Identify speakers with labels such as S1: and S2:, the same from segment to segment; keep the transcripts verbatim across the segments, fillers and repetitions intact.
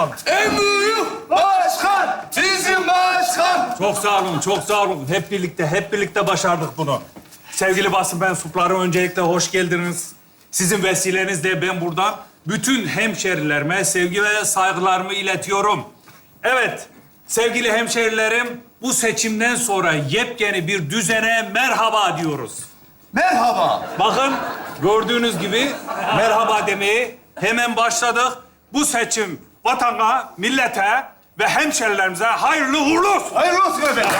S1: başkan.
S2: En büyük başkan, bizim başkan.
S1: Çok sağ olun, çok sağ olun. Hep birlikte, hep birlikte başardık bunu. Sevgili basın mensupları, öncelikle hoş geldiniz. Sizin vesilenizle ben buradan bütün hemşerilerime sevgi ve saygılarımı iletiyorum. Evet, sevgili hemşerilerim, bu seçimden sonra yepyeni bir düzene merhaba diyoruz.
S2: Merhaba.
S1: Bakın, gördüğünüz gibi merhaba demeyi hemen başladık. Bu seçim vatana, millete ve hemşerilerimize hayırlı uğurlu olsun.
S2: Hayırlı olsun efendim.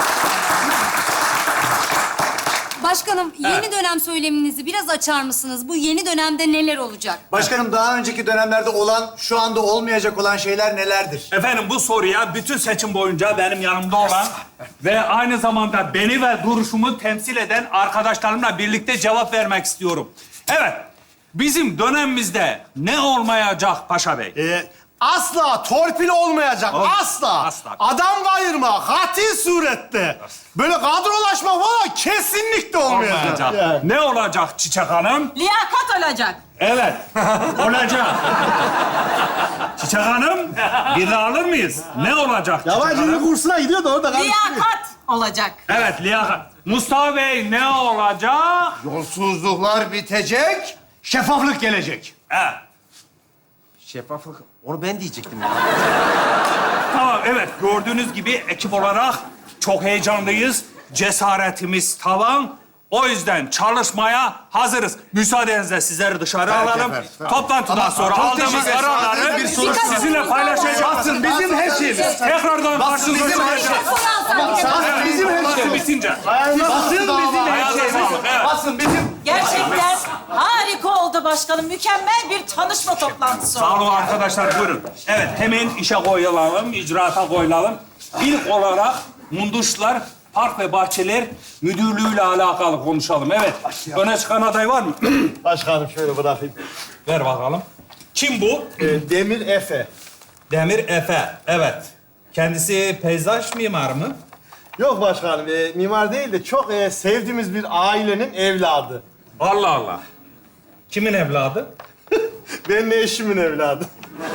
S3: Başkanım, yeni dönem söyleminizi biraz açar mısınız? Bu yeni dönemde neler olacak?
S4: Başkanım daha önceki dönemlerde olan, şu anda olmayacak olan şeyler nelerdir?
S1: Efendim bu soruya bütün seçim boyunca benim yanımda olan ve aynı zamanda beni ve duruşumu temsil eden arkadaşlarımla birlikte cevap vermek istiyorum. Evet, bizim dönemimizde ne olmayacak Paşa Bey?
S5: Ee, asla torpil olmayacak,
S1: Ol-
S5: asla.
S1: asla.
S5: Adam kayırma, katil surette. Böyle kadrolaşma falan kesinlikle olmayacak.
S1: Olmayacak.
S5: Yani.
S1: Ne olacak Çiçek Hanım?
S6: Liyakat olacak.
S1: Evet, olacak. Çiçek Hanım, birini alır mıyız? Ne olacak Çiçek
S5: Yabancı dil
S1: Hanım?
S5: kursuna gidiyor da orada karıştırıyor.
S6: Liyakat olacak.
S1: Evet, liyakat. Mustafa Bey ne olacak?
S2: Yolsuzluklar bitecek, şeffaflık gelecek.
S1: Evet.
S7: Şeffaflık, onu ben diyecektim ya.
S1: Tamam, evet. Gördüğünüz gibi ekip olarak çok heyecanlıyız. Cesaretimiz tavan. O yüzden çalışmaya hazırız. Müsaadenizle sizleri dışarı alalım.
S2: efendim,
S1: Toplantıdan sonra
S2: Çok
S1: aldığımız
S2: teşekkür ederiz.
S1: kararları
S2: Bir
S3: soru-
S1: sizinle paylaşacağız.
S2: Basın bizim her şeyimiz.
S1: Tekrardan karşınıza
S2: bizim her
S1: çıkacağız.
S2: Basın bizim her
S1: Basın
S2: şeyimiz.
S1: bitince.
S2: Basın bizim her
S1: Ayağınıza
S2: şeyimiz.
S1: sağlık, evet.
S2: Basın bizim.
S6: Gerçekten harika oldu başkanım. Mükemmel bir tanışma toplantısı
S1: Sağ
S6: oldu.
S1: olun arkadaşlar, buyurun. Evet, hemen işe koyulalım, icraata koyulalım. İlk olarak Munduşlar Park ve Bahçeler Müdürlüğü'yle alakalı konuşalım. Evet, öne çıkan aday var mı?
S5: Başkanım şöyle bırakayım.
S1: Ver bakalım. Kim bu?
S5: Ee, Demir Efe.
S1: Demir Efe. Evet. Kendisi peyzaj mimarı mı?
S5: Yok başkanım, e, mimar değil de çok e, sevdiğimiz bir ailenin evladı.
S1: Allah Allah. Kimin evladı?
S5: Benim eşimin evladı.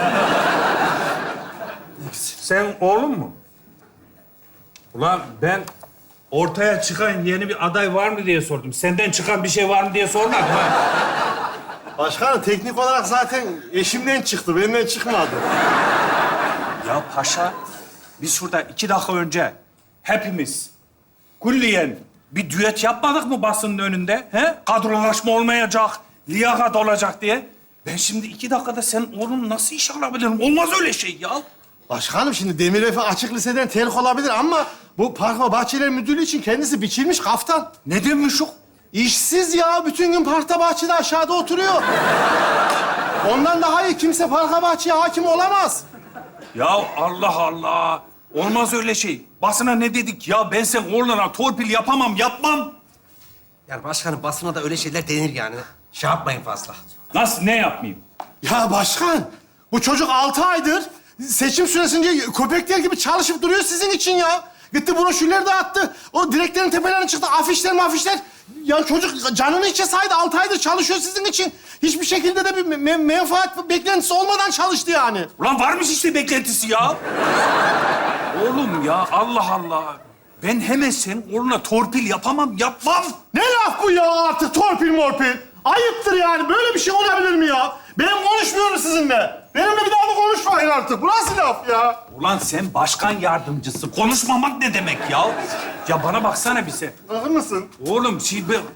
S1: Sen oğlun mu? Ulan ben ortaya çıkan yeni bir aday var mı diye sordum. Senden çıkan bir şey var mı diye sormadım ha.
S5: Başkanım teknik olarak zaten eşimden çıktı, benden çıkmadı.
S1: Ya paşa, biz şurada iki dakika önce hepimiz kulliyen bir düet yapmadık mı basının önünde? He? Kadrolaşma olmayacak, liyakat olacak diye. Ben şimdi iki dakikada senin oğlun nasıl iş alabilirim? Olmaz öyle şey ya.
S5: Başkanım şimdi Demir Efe açık liseden terk olabilir ama bu Park ve Bahçeler Müdürlüğü için kendisi biçilmiş kaftan.
S1: Ne demiş o?
S5: İşsiz ya, bütün gün parkta bahçede aşağıda oturuyor. Ondan daha iyi kimse parka bahçeye hakim olamaz.
S1: Ya Allah Allah. Olmaz öyle şey. Basına ne dedik ya? Ben sen oğluna torpil yapamam, yapmam.
S7: Yani başkanım basına da öyle şeyler denir yani. Şey yapmayın fazla.
S1: Nasıl, ne yapmayayım?
S5: Ya başkan, bu çocuk altı aydır seçim süresince köpekler gibi çalışıp duruyor sizin için ya. Gitti broşürleri dağıttı. O direklerin tepelerine çıktı. Afişler mafişler. Ya çocuk canını içe saydı. Altı aydır çalışıyor sizin için. Hiçbir şekilde de bir me- menfaat beklentisi olmadan çalıştı yani.
S1: Ulan varmış işte beklentisi ya. Oğlum ya, Allah Allah. Ben hemen senin oğluna torpil yapamam, yapmam.
S5: Ne laf bu ya artık torpil morpil? Ayıptır yani. Böyle bir şey olabilir mi ya? Benim konuşmuyorum sizinle. Benimle bir daha da konuşmayın artık. Bu nasıl laf ya?
S1: Ulan sen başkan yardımcısı. Konuşmamak ne demek ya? Ya bana baksana bir sen.
S5: Bakır mısın?
S1: Oğlum şey ben...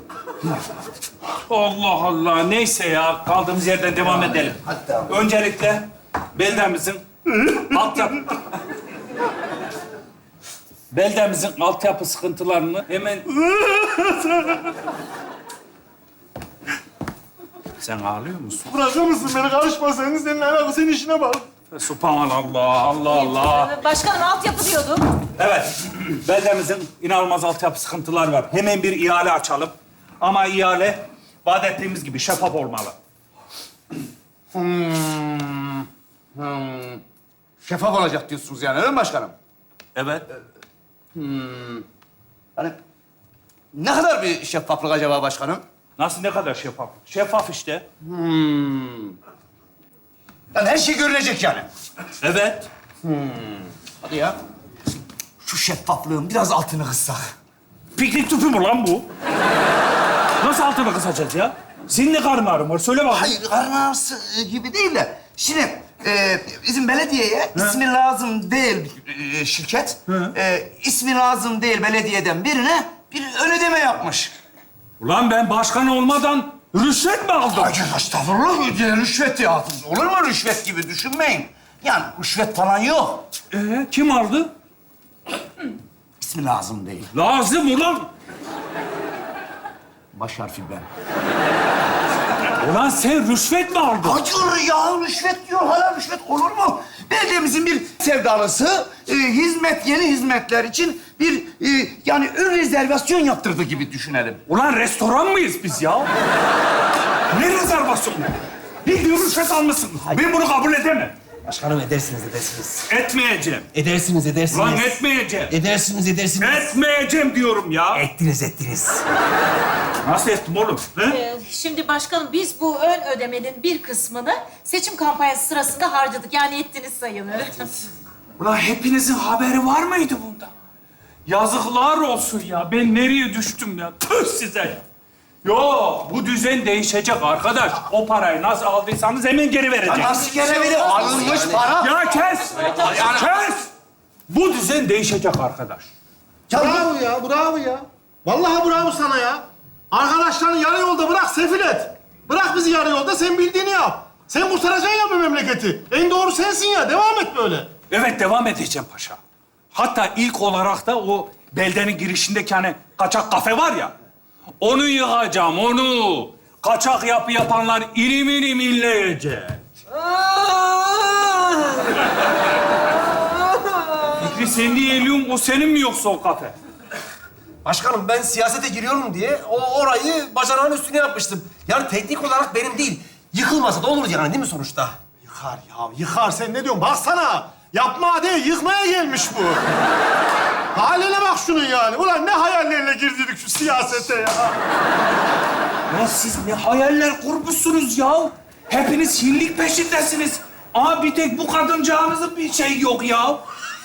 S1: Allah Allah. Neyse ya. Kaldığımız yerden devam edelim. Öncelikle beldemizin altyapı... beldemizin altyapı sıkıntılarını hemen... Sen ağlıyor musun?
S5: Bırakır mısın beni? Karışma senin. Senin alakası, senin işine bak.
S1: Subhanallah, Allah Allah.
S6: Başkanım altyapı diyorduk.
S1: Evet, beldemizin inanılmaz altyapı sıkıntılar var. Hemen bir ihale açalım. Ama ihale vaat ettiğimiz gibi şeffaf olmalı.
S2: Hmm. Şeffaf olacak diyorsunuz yani, öyle mi başkanım?
S1: Evet.
S2: Hani ne kadar bir şeffaflık acaba başkanım?
S1: Nasıl, ne kadar şeffaf? Şeffaf işte.
S2: Lan her şey görünecek yani.
S1: Evet.
S2: Hadi ya. Şu şeffaflığın biraz altını kıssak.
S1: Piknik tüpü mü lan bu? Nasıl altına kısacağız ya? Senin ne karın ağrın var? Söyle bakayım.
S2: Hayır, karın ağrısı e, gibi değil de. Şimdi e, bizim belediyeye ismi lazım değil e, şirket. E, ismi lazım değil belediyeden birine bir ön ödeme yapmış.
S1: Ulan ben başkan olmadan rüşvet mi aldım?
S2: Ay estağfurullah, ya, rüşvet ya. Olur mu rüşvet gibi düşünmeyin. Yani rüşvet falan yok.
S1: Ee, kim aldı?
S2: İsmi lazım değil.
S1: Lazım ulan.
S2: Baş harfi ben.
S1: Ulan sen rüşvet mi aldın?
S2: Hayır ya, rüşvet diyor. Hala rüşvet olur mu? Belediyemizin bir sevdalısı e, hizmet, yeni hizmetler için bir e, yani ön rezervasyon yaptırdı gibi düşünelim.
S1: Ulan restoran mıyız biz ya? Ne rezervasyonu? Bildiğin rüşvet almışsın. Ben bunu kabul edemem.
S7: Başkanım edersiniz, edersiniz.
S1: Etmeyeceğim.
S7: Edersiniz, edersiniz.
S1: Ulan etmeyeceğim.
S7: Edersiniz, edersiniz.
S1: Etmeyeceğim diyorum ya.
S7: Ettiniz, ettiniz.
S1: Nasıl ettim oğlum? He?
S6: Ee, şimdi başkanım biz bu ön ödemenin bir kısmını seçim kampanyası sırasında harcadık. Yani ettiniz sayılır.
S1: Ulan hepinizin haberi var mıydı bunda? Yazıklar olsun ya. Ben nereye düştüm ya? Tüh size. Yok, bu düzen değişecek arkadaş. O parayı nasıl aldıysanız hemen geri verecek.
S2: Nasıl gene biri alınmış para?
S1: Ya kes! Kes! Bu düzen değişecek arkadaş.
S5: Bravo ya, bravo ya. Vallahi bravo sana ya. Arkadaşlarını yarı yolda bırak, sefil et. Bırak bizi yarı yolda, sen bildiğini yap. Sen kurtaracaksın ya bu memleketi. En doğru sensin ya, devam et böyle.
S1: Evet, devam edeceğim paşa. Hatta ilk olarak da o beldenin girişindeki hani kaçak kafe var ya... Onu yıkacağım, onu. Kaçak yapı yapanlar ilim ilim inleyecek. Fikri sen niye eliyorsun? O senin mi yoksa o kafe?
S7: Başkanım ben siyasete giriyorum diye o orayı bacanağın üstüne yapmıştım. Yani teknik olarak benim değil. Yıkılmasa da olur yani değil mi sonuçta?
S5: Yıkar ya, yıkar. Sen ne diyorsun? Baksana. Yapma değil, yıkmaya gelmiş bu. Haline bak şunun yani. Ulan ne hayallerle girdik şu siyasete ya.
S1: Ya siz ne hayaller kurmuşsunuz ya? Hepiniz hinlik peşindesiniz. Ama bir tek bu kadıncağınızın bir şey yok ya.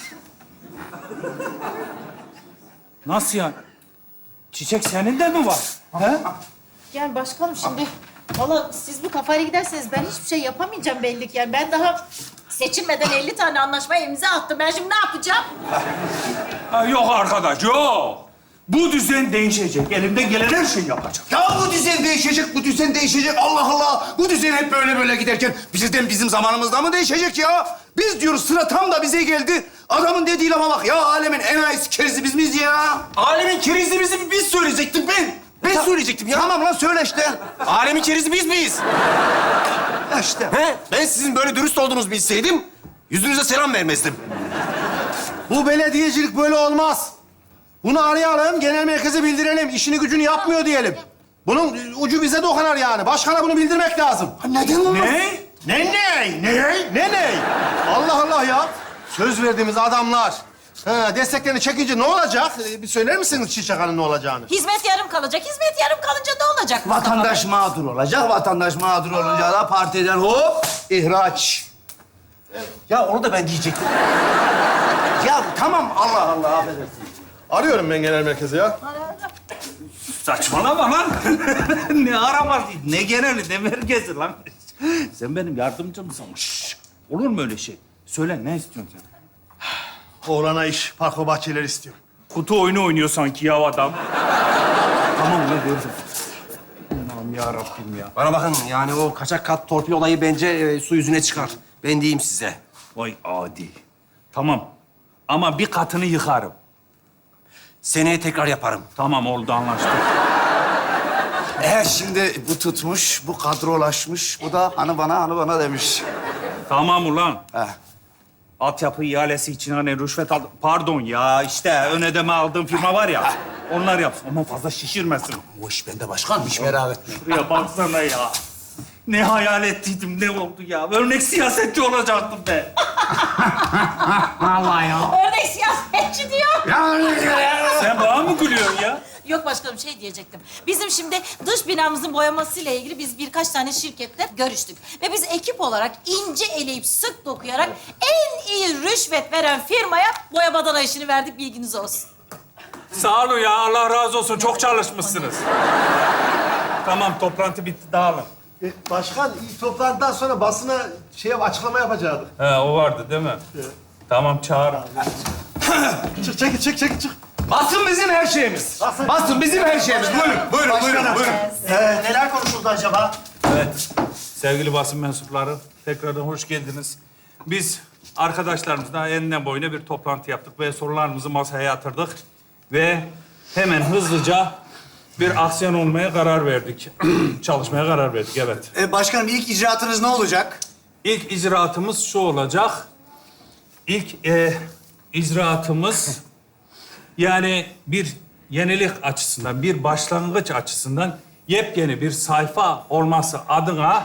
S1: Nasıl yani? Çiçek senin de mi var? He?
S6: Yani başkanım şimdi valla siz bu kafayla giderseniz ben hiçbir şey yapamayacağım belli ki. Yani ben daha seçilmeden elli tane anlaşmaya imza attım. Ben şimdi ne yapacağım?
S1: Ha, yok arkadaş, yok. Bu düzen değişecek. Elimden gelen her şeyi yapacağım.
S2: Ya bu düzen değişecek, bu düzen değişecek. Allah Allah! Bu düzen hep böyle böyle giderken bizden bizim zamanımızda mı değişecek ya? Biz diyoruz sıra tam da bize geldi. Adamın dediği lafa bak ya, alemin en ayısı kerizi biz miyiz ya?
S7: Alemin kerizi bizim biz söyleyecektim ben. Ben söyleyecektim ya.
S2: Tamam lan söyle işte.
S7: Alemin kerizi biz miyiz?
S2: Ya işte.
S7: He? Ben sizin böyle dürüst olduğunuzu bilseydim yüzünüze selam vermezdim.
S5: Bu belediyecilik böyle olmaz. Bunu arayalım, genel merkeze bildirelim. İşini gücünü yapmıyor diyelim. Bunun ucu bize dokunar yani. Başkana bunu bildirmek lazım.
S2: Neden lan?
S1: Ne?
S5: Ne ne? Ne? Ne ne? Allah Allah ya. Söz verdiğimiz adamlar. Ha, desteklerini çekince ne olacak? Ee, bir söyler misiniz Çiçek Hanım ne olacağını?
S6: Hizmet yarım kalacak. Hizmet yarım kalınca ne olacak?
S2: Vatandaş mağdur olacak. Vatandaş mağdur olunca da partiden hop ihraç.
S7: Ya onu da ben diyecektim.
S2: Ya tamam Allah Allah affedersin.
S5: Arıyorum ben genel merkeze ya.
S1: Saçmalama lan. Ne aramaz, ne geneli, ne merkezi lan. Sen benim yardımcımsın. Şşş. Olur mu öyle şey? Söyle, ne istiyorsun sen?
S5: Oğlana iş, parko bahçeleri istiyorum.
S1: Kutu oyunu oynuyor sanki ya adam. Tamam ne verdim. Allah'ım yarabbim ya.
S7: Bana bakın yani o kaçak kat torpil olayı bence e, su yüzüne çıkar. Ben diyeyim size.
S1: Vay adi. Tamam. Ama bir katını yıkarım.
S7: Seneye tekrar yaparım.
S1: Tamam oldu, anlaştık.
S2: Eğer şimdi bu tutmuş, bu kadrolaşmış, bu da hani bana, hani bana demiş.
S1: Tamam ulan.
S2: He.
S1: Altyapı ihalesi için hani rüşvet aldım. Pardon ya, işte ön ödeme aldığım firma var ya. Onlar yapsın. Ama fazla şişirmesin.
S2: Bu iş bende başkan, hiç merak etme.
S1: Şuraya baksana ya. Ne hayal ettiydim, ne oldu ya? Örnek siyasetçi olacaktım be. Vallahi ya.
S6: Örnek siyasetçi diyor.
S1: Sen bana mı gülüyorsun ya?
S6: Yok başkanım şey diyecektim. Bizim şimdi dış binamızın boyamasıyla ilgili biz birkaç tane şirketle görüştük. Ve biz ekip olarak ince eleyip sık dokuyarak en iyi rüşvet veren firmaya boya badana işini verdik, bilginiz olsun.
S1: Sağ olun ya, Allah razı olsun. Çok çalışmışsınız. Tamam, toplantı bitti, dağılın.
S5: E, başkan, ilk toplantıdan sonra basına şey açıklama yapacaktık.
S1: He, o vardı değil mi? Tamam, çağırın.
S5: Çık, çekil, çık, çekil, çık.
S2: Basın bizim her şeyimiz. Basın bizim her şeyimiz. Buyurun, buyurun, buyurun, buyurun.
S4: Ee, neler konuşuldu acaba?
S1: Evet, sevgili basın mensupları, tekrardan hoş geldiniz. Biz arkadaşlarımızla enine boyuna bir toplantı yaptık ve sorularımızı masaya yatırdık. Ve hemen hızlıca bir aksiyon olmaya karar verdik. Çalışmaya karar verdik, evet.
S4: Ee, başkanım ilk icraatınız ne olacak?
S1: İlk icraatımız şu olacak. İlk e, icraatımız yani bir yenilik açısından, bir başlangıç açısından yepyeni bir sayfa olması adına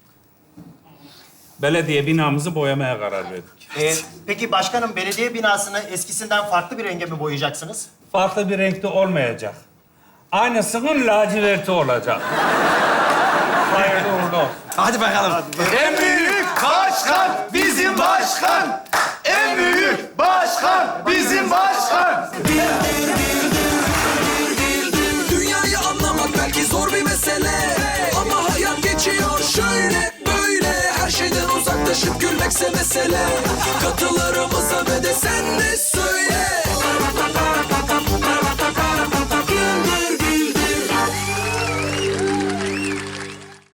S1: belediye binamızı boyamaya karar verdik.
S8: Ee, peki başkanım belediye binasını eskisinden farklı bir renge mi boyayacaksınız?
S1: Farklı bir renkte olmayacak. Aynısının laciverti olacak. Hayırlı uğurlu olsun.
S2: Hadi bakalım. En büyük başkan bizim başkan. En büyük başkan bizim başkan.
S9: Dünyayı anlamak belki zor bir mesele, ama hayat geçiyor şöyle böyle. Her şeyden uzaklaşıp gülmekse mesele. Katılarımıza ve de sen de söyle.